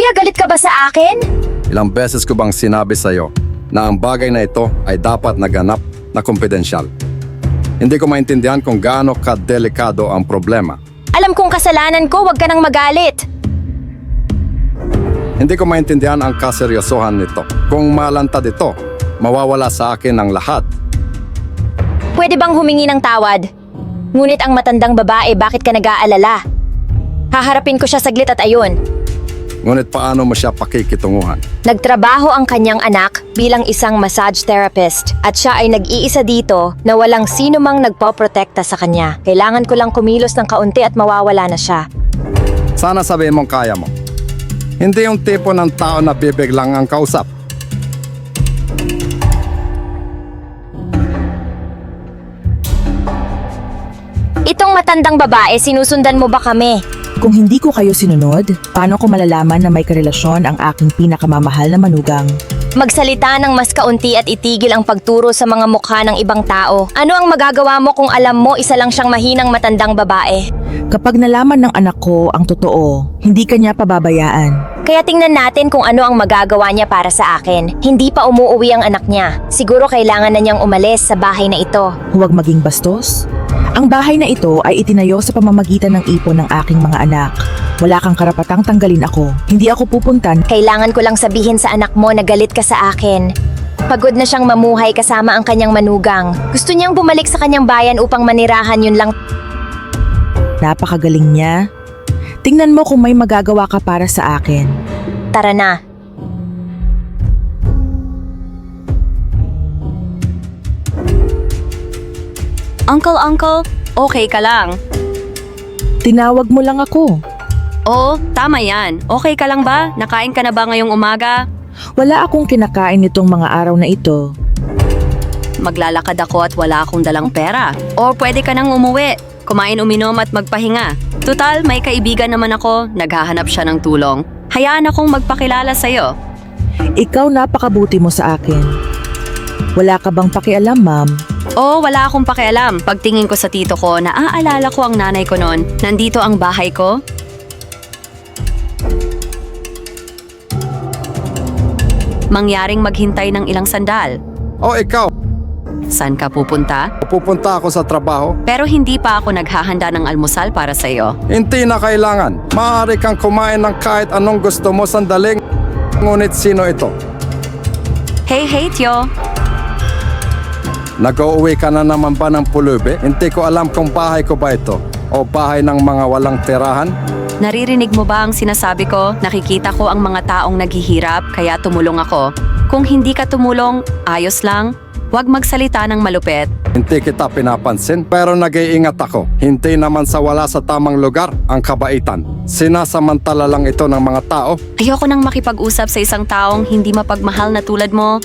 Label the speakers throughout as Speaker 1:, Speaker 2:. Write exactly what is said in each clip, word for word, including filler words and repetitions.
Speaker 1: Kuya, galit ka ba sa akin?
Speaker 2: Ilang beses ko bang sinabi sa'yo na ang bagay na ito ay dapat naganap na kumpidensyal? Hindi ko maintindihan kung gaano kadelikado ang problema.
Speaker 1: Alam kong kasalanan ko, wag ka nang magalit.
Speaker 2: Hindi ko maintindihan ang kaseryosohan nito. Kung malantad ito, mawawala sa akin ang lahat.
Speaker 1: Pwede bang humingi ng tawad? Ngunit ang matandang babae, bakit ka nag-aalala? Haharapin ko siya saglit at ayun.
Speaker 2: Ngunit paano mo siya pakikitunguhan?
Speaker 1: Nagtrabaho ang kanyang anak bilang isang massage therapist at siya ay nag-iisa dito na walang sino mang nagpoprotekta sa kanya. Kailangan ko lang kumilos ng kaunti at mawawala na siya.
Speaker 2: Sana sabihin mong kaya mo. Hindi yung tipo ng tao na bibig lang ang kausap.
Speaker 1: Itong matandang babae, sinusundan mo ba kami?
Speaker 3: Kung hindi ko kayo sinunod, paano ko malalaman na may karelasyon ang aking pinakamamahal na manugang?
Speaker 1: Magsalita ng mas kaunti at itigil ang pagturo sa mga mukha ng ibang tao. Ano ang magagawa mo kung alam mo isa lang siyang mahinang matandang babae?
Speaker 3: Kapag nalaman ng anak ko ang totoo, hindi kanya pababayaan.
Speaker 1: Kaya tingnan natin kung ano ang magagawa niya para sa akin. Hindi pa umuuwi ang anak niya. Siguro kailangan na niyang umalis sa bahay na ito.
Speaker 3: Huwag maging bastos. Ang bahay na ito ay itinayo sa pamamagitan ng ipon ng aking mga anak. Wala kang karapatang tanggalin ako. Hindi ako pupuntan.
Speaker 1: Kailangan ko lang sabihin sa anak mo na galit ka sa akin. Pagod na siyang mamuhay kasama ang kanyang manugang. Gusto niyang bumalik sa kanyang bayan upang manirahan, yun lang.
Speaker 3: Napakagaling niya. Tingnan mo kung may magagawa ka para sa akin.
Speaker 1: Tara na.
Speaker 4: Uncle, uncle, okay ka lang?
Speaker 3: Tinawag mo lang ako.
Speaker 4: Oo, tama yan. Okay ka lang ba? Nakain ka na ba ngayong umaga?
Speaker 3: Wala akong kinakain nitong mga araw na ito.
Speaker 4: Maglalakad ako at wala akong dalang pera. O pwede ka nang umuwi. Kumain, uminom at magpahinga. Tutal, may kaibigan naman ako. Naghahanap siya ng tulong. Hayaan akong magpakilala sa'yo.
Speaker 3: Ikaw napakabuti mo sa akin. Wala ka bang pakialam, ma'am?
Speaker 4: Oo, wala akong pakialam. Pagtingin ko sa tito ko, naaalala ko ang nanay ko noon. Nandito ang bahay ko. Mangyaring maghintay ng ilang sandal.
Speaker 2: O ikaw,
Speaker 4: Saan ka pupunta?
Speaker 2: pupunta ako sa trabaho?
Speaker 4: Pero hindi pa ako naghahanda ng almusal para sa iyo.
Speaker 2: Hindi na kailangan. Maaari kang kumain ng kahit anong gusto mo sandaling. Ngunit sino ito?
Speaker 4: Hey, hey, Tio!
Speaker 2: Nag-uuwi ka na naman ba ng pulubi? Hindi ko alam kung bahay ko ba ito o bahay ng mga walang tirahan.
Speaker 4: Naririnig mo ba ang sinasabi ko? Nakikita ko ang mga taong naghihirap, kaya tumulong ako. Kung hindi ka tumulong, ayos lang. Huwag magsalita ng malupet.
Speaker 2: Hindi kita pinapansin pero nag-iingat ako. Hindi naman sa wala sa tamang lugar ang kabaitan. Sinasamantala lang ito ng mga tao.
Speaker 4: Ayoko nang makipag-usap sa isang taong hindi mapagmahal na tulad mo.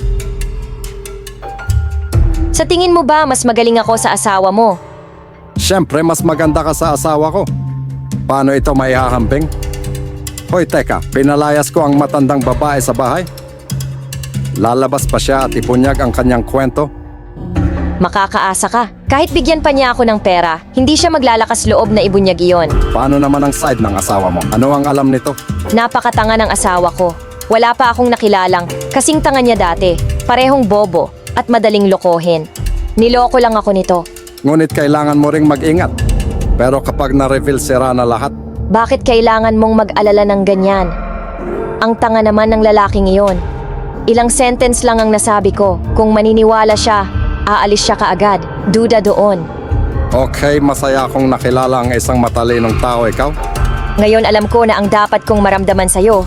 Speaker 1: Sa tingin mo ba mas magaling ako sa asawa mo?
Speaker 2: Siyempre mas maganda ka sa asawa ko. Paano ito maihahambing? Hoy teka, pinalayas ko ang matandang babae sa bahay. Lalabas pa siya at ipunyag ang kanyang kwento.
Speaker 1: Makakaasa ka. Kahit bigyan pa niya ako ng pera, hindi siya maglalakas loob na ibunyag iyon.
Speaker 2: Paano naman ang side ng asawa mo? Ano ang alam nito?
Speaker 1: Napakatanga ng asawa ko. Wala pa akong nakilalang. Kasing tanga niya dati. Parehong bobo at madaling lokohin. Niloko lang ako nito.
Speaker 2: Ngunit kailangan mo ring mag-ingat. Pero kapag na-reveal sira na lahat,
Speaker 1: Bakit kailangan mong mag-alala ng ganyan? Ang tanga naman ng lalaking iyon. Ilang sentence lang ang nasabi ko. Kung maniniwala siya, aalis siya kaagad. Duda doon.
Speaker 2: okay, masaya akong nakilala ang isang matalinong tao, ikaw?
Speaker 1: Ngayon alam ko na ang dapat kong maramdaman sa'yo.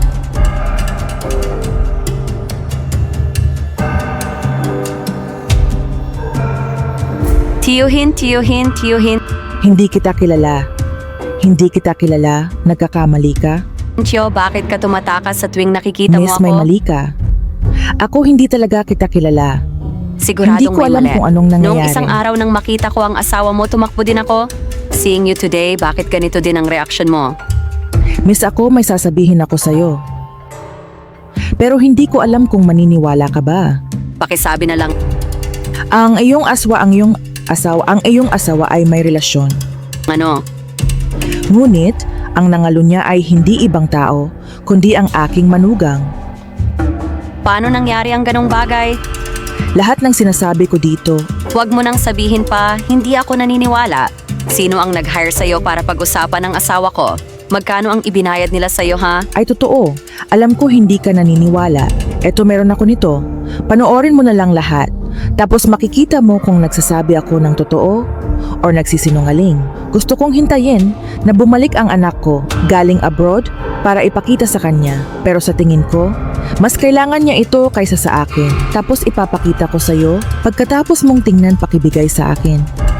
Speaker 4: Tiyuhin, tiyuhin, tiyuhin.
Speaker 3: Hindi kita kilala. Hindi kita kilala. Nagkakamali ka.
Speaker 4: Tiyo, bakit ka tumatakas sa tuwing nakikita mo
Speaker 3: Miss,
Speaker 4: ako?
Speaker 3: may mali ka. Ako hindi talaga kita kilala.
Speaker 4: Siguradong
Speaker 3: Hindi ko
Speaker 4: may
Speaker 3: alam
Speaker 4: mali.
Speaker 3: kung anong nangyayari.
Speaker 4: Noong isang araw nang makita ko ang asawa mo, tumakbo din ako. Seeing you today, bakit ganito din ang reaction mo?
Speaker 3: Miss, ako may sasabihin ako sa'yo. Pero hindi ko alam kung maniniwala ka ba.
Speaker 4: Pakisabi na lang.
Speaker 3: Ang iyong aswa, ang iyong asawa, ang iyong asawa ay may relasyon.
Speaker 4: Ano?
Speaker 3: Ngunit, ang nangalo niya ay hindi ibang tao, kundi ang aking manugang.
Speaker 4: Paano nangyari ang ganong bagay?
Speaker 3: Lahat ng sinasabi ko dito,
Speaker 4: Huwag mo nang sabihin pa, hindi ako naniniwala. Sino ang nag-hire sa'yo para pag-usapan ng asawa ko? Magkano ang ibinayad nila sa'yo, ha?
Speaker 3: ay totoo. Alam ko hindi ka naniniwala. Eto meron ako nito. Panoorin mo na lang lahat. Tapos makikita mo kung nagsasabi ako ng totoo or nagsisinungaling. Gusto kong hintayin na bumalik ang anak ko galing abroad para ipakita sa kanya. Pero sa tingin ko, mas kailangan niya ito kaysa sa akin. Tapos ipapakita ko sa'yo pagkatapos mong tingnan pakibigay sa akin.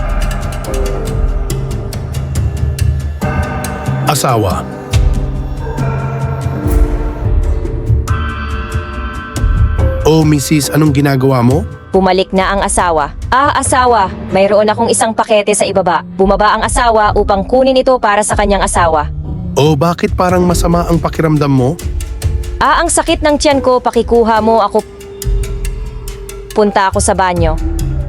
Speaker 5: Asawa. Oh, Missus, anong ginagawa mo?
Speaker 1: Bumalik na ang asawa. Ah, asawa, mayroon akong isang pakete sa ibaba. Bumaba ang asawa upang kunin ito para sa kanyang asawa.
Speaker 5: Oh, bakit parang masama ang pakiramdam mo?
Speaker 1: Ah, ang sakit ng tiyan ko, pakikuha mo ako. Punta ako sa banyo.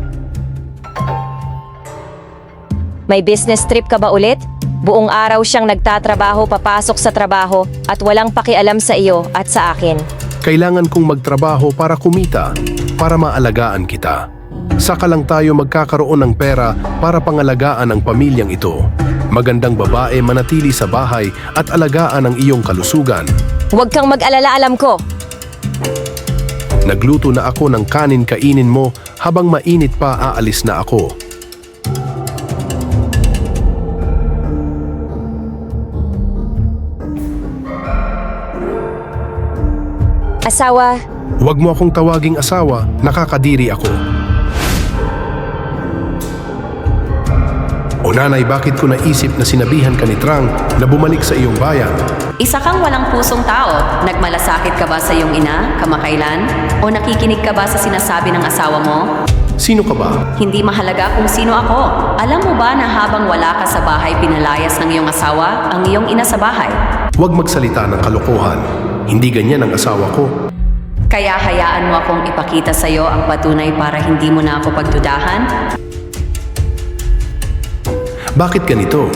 Speaker 1: May business trip ka ba ulit? Buong araw siyang nagtatrabaho papasok sa trabaho at walang pakialam sa iyo at sa akin.
Speaker 5: Kailangan kong magtrabaho para kumita, para maalagaan kita. Saka lang tayo magkakaroon ng pera para pangalagaan ang pamilyang ito. Magandang babae manatili sa bahay at alagaan ang iyong kalusugan.
Speaker 1: Huwag kang mag-alala, alam ko.
Speaker 5: Nagluto na ako ng kanin, kainin mo, habang mainit pa aalis na ako.
Speaker 1: Asawa,
Speaker 5: Huwag mo akong tawaging asawa, nakakadiri ako. O nanay, bakit ko naisip na sinabihan ka ni Trang na bumalik sa iyong bayan?
Speaker 4: Isa kang walang pusong tao. Nagmalasakit ka ba sa iyong ina, kamakailan? O nakikinig ka ba sa sinasabi ng asawa mo?
Speaker 5: Sino ka ba?
Speaker 4: Hindi mahalaga kung sino ako. Alam mo ba na habang wala ka sa bahay, pinalayas ng iyong asawa ang iyong ina sa bahay?
Speaker 5: Huwag magsalita ng kalokohan. Hindi ganyan ang asawa ko.
Speaker 4: Kaya hayaan mo akong ipakita sa iyo ang patunay para hindi mo na ako pagdudahan?
Speaker 5: Bakit ganito?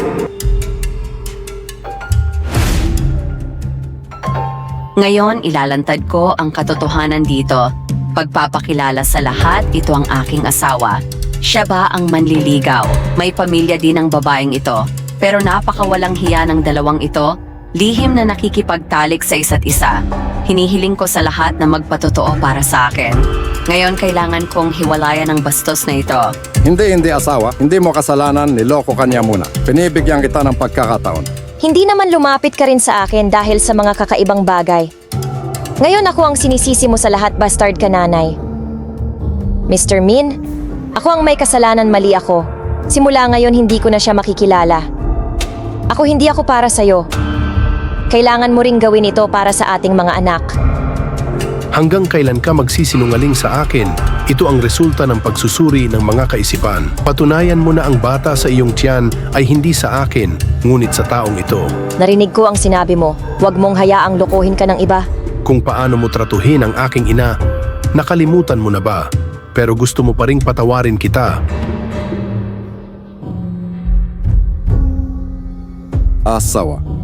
Speaker 4: Ngayon, ilalantad ko ang katotohanan dito. Pagpapakilala sa lahat, ito ang aking asawa. Siya ba ang manliligaw? May pamilya din ang babaeng ito. Pero napakawalang hiya ng dalawang ito. Lihim na nakikipagtalik sa isa't isa. Hinihiling ko sa lahat na magpatotoo para sa akin. Ngayon, kailangan kong hiwalayan ang bastos na ito.
Speaker 2: Hindi, hindi asawa. Hindi mo kasalanan, niloko ka niya muna. Pinibigyan kita ng pagkakataon.
Speaker 1: hindi naman lumapit ka rin sa akin dahil sa mga kakaibang bagay. Ngayon ako ang sinisisi mo sa lahat, bastard ka, nanay. Mister Min, ako ang may kasalanan, mali ako. Simula ngayon hindi ko na siya makikilala. Ako hindi ako para sa'yo. Kailangan mo ring gawin ito para sa ating mga anak.
Speaker 5: Hanggang kailan ka magsisinungaling sa akin? Ito ang resulta ng pagsusuri ng mga kaisipan. Patunayan mo na ang bata sa iyong tiyan ay hindi sa akin, ngunit sa taong ito.
Speaker 1: Narinig ko ang sinabi mo. Huwag mong hayaang lokohin ka ng iba.
Speaker 5: Kung paano mo tratuhin ang aking ina, nakalimutan mo na ba? Pero gusto mo pa ring patawarin kita.
Speaker 2: Asawa.